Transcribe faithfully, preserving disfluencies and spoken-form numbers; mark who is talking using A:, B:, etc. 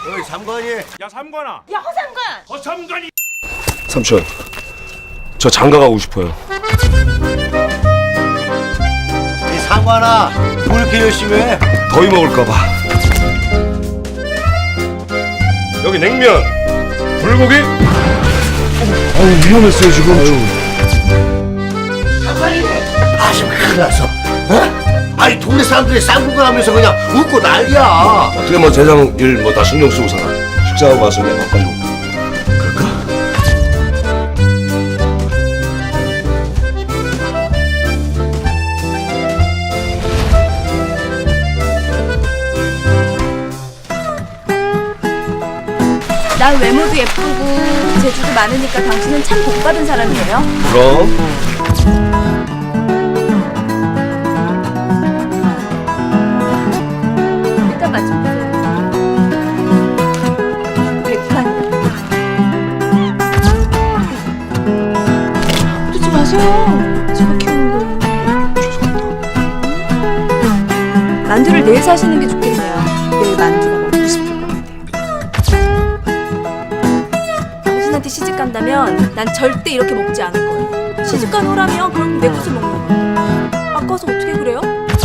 A: 어이 삼관이.
B: 야 삼관아.
C: 야 허상관.
B: 허삼관이.
D: 삼촌, 저 장가 가고 싶어요.
A: 이 상관아, 뭘 이렇게 열심히 해?
D: 더위 먹을까봐. 여기 냉면, 불고기. 어우 위험했어요 지금.
A: 상관이. 아 지금 큰일 났어. 어? 아니 동네 사람들이 쌍구걸 하면서 그냥 웃고 난리야.
D: 어떻게 뭐 대장 일 뭐 다 신경 쓰고 살아. 식사하고 와서 그냥 바꿔주고. 그럴까?
C: 난 외모도 예쁘고 재주도 많으니까 당신은 참 복받은 사람이에요.
D: 그럼.
C: 일단 맛 좀 보세요. 백판. 그러지 마세요. 제가 키우는 거예요. 만두를 내일 사시는 게 좋겠네요. 내일 만두가 먹고 싶을 것 같아요. 당신한테 시집 간다면 난 절대 이렇게 먹지 않을 거예요. 시집 간 호라면 그럼 내 것을 먹는 거예요. 아까워서 어떻게 그래요?